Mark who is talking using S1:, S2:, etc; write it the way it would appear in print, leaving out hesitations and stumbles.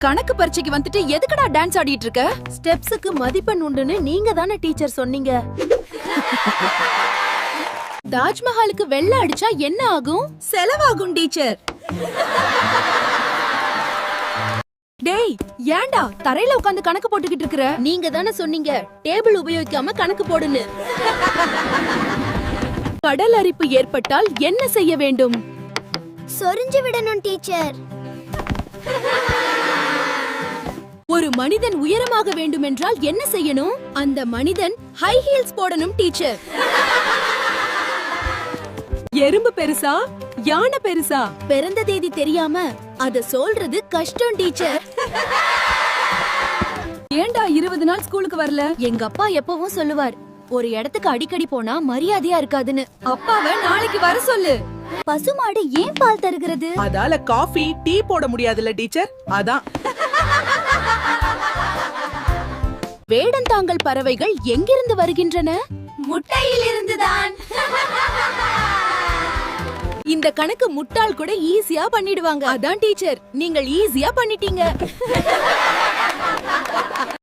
S1: கணக்கு பரீட்சைக்கு வந்துட்டு எதுக்குடா டான்ஸ் ஆடிட்டு இருக்க?
S2: ஸ்டெப்ஸுக்கு மதிப்பெண் உண்டுன்னு நீங்க தானே டீச்சர் சொன்னீங்க.
S1: தாஜ்மஹாலுக்கு வெள்ள அடிச்சா என்ன ஆகும்?
S2: செலவாகும் டீச்சர்.
S1: டேய், ஏன்டா தரையில உட்கார்ந்து கணக்கு போட்டுக்கிட்டு இருக்கற?
S2: நீங்க தானே சொன்னீங்க டேபிள் உபயோகிக்காம கணக்கு போடுன்னு.
S1: கடல் அரிப்பு ஏற்பட்டால் என்ன செய்ய வேண்டும்?
S2: சொரிஞ்சு விடணும் டீச்சர்.
S1: ஒரு மனிதன் உயரமாக வேண்டுமென்றால் என்ன செய்யணும்? அந்த மனிதன் ஹை ஹீல்ஸ் போடணும் டீச்சர். எறும்பு பெருசா யானை பெருசா?
S2: பிறந்த தேதி தெரியாம அத சொல்றது கஷ்டம் டீச்சர்.
S1: ஏன்டா 20 நாள் ஸ்கூலுக்கு வரல?
S2: எங்க அப்பா எப்பவும் சொல்லுவார், ஒரு இடத்துக்கு அடிக்கடி போனா மரியாதையா இருக்காதுன்னு.
S1: அப்பாவை நாளைக்கு வர சொல்லு.
S2: பசுமாடு ஏன் பால் தருகிறது?
S3: அதால காஃபி டீ போட முடியாதுல்ல டீச்சர், அதான்.
S1: வேடந்தாங்கல் பறவைகள் எங்கிருந்து வருகின்றன?
S2: முட்டையில் இருந்துதான்.
S1: இந்த கணக்கு முட்டாள் கூட ஈஸியா பண்ணிடுவாங்க. அதான் டீச்சர், நீங்கள் ஈஸியா பண்ணிட்டீங்க.